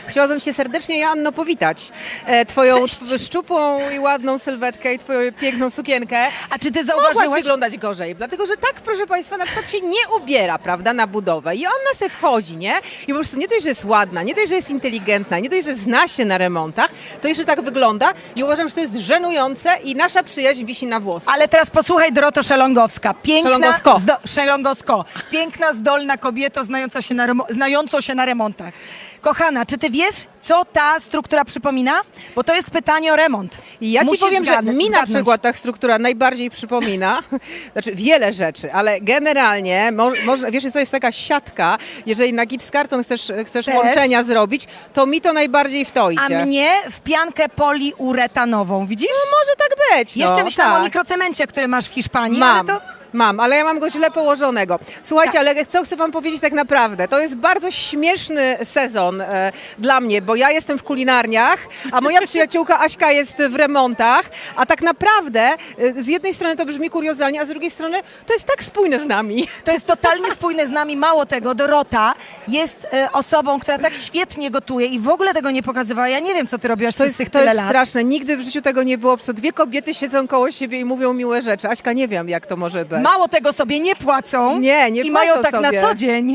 Chciałabym się serdecznie, Joanno, powitać. Twoją szczupłą i ładną sylwetkę i twoją piękną sukienkę. A czy ty Mogłaś zauważyłaś? wyglądać gorzej, dlatego że tak, proszę Państwa, na przykład się nie ubiera, prawda, na budowę i ona se wchodzi, nie? I po prostu nie dość, że jest ładna, nie dość, że jest inteligentna, nie dość, że zna się na remontach, to jeszcze tak wygląda i uważam, że to jest żenujące i nasza przyjaźń wisi na włosku. Ale teraz posłuchaj, Doroto Szelongowska. Szelongowsko. Szelongowsko. Piękna, zdolna kobieta znająca się na remontach. Kochana, czy ty wiesz, co ta struktura przypomina? Bo to jest pytanie o remont. I ja ci Musisz powiem, że mi na zgadnąć. przykład ta struktura najbardziej przypomina, znaczy wiele rzeczy, ale generalnie, wiesz, to jest taka siatka, jeżeli na gipskarton chcesz Też. łączenia zrobić, to mi to najbardziej w to idzie. A mnie w piankę poliuretanową, widzisz? Może tak być. Jeszcze no, myślałam tak. o mikrocemencie, który masz w Hiszpanii. Mam. Ale to... Mam, ale ja mam go źle położonego. Słuchajcie, Tak. ale co chcę wam powiedzieć tak naprawdę? To jest bardzo śmieszny sezon dla mnie, bo ja jestem w kulinarniach, a moja przyjaciółka Aśka jest w remontach, a tak naprawdę z jednej strony to brzmi kuriozalnie, a z drugiej strony to jest tak spójne z nami. To jest totalnie spójne z nami. Mało tego, Dorota jest osobą, która tak świetnie gotuje i w ogóle tego nie pokazywała. Ja nie wiem, co ty robiłaś przez tych To tyle jest lat. straszne. Nigdy w życiu tego nie było. Po prostu dwie kobiety siedzą koło siebie i mówią miłe rzeczy. Aśka, nie wiem, jak to może być. Mało tego sobie nie płacą Nie i mają płacą tak sobie. na co dzień.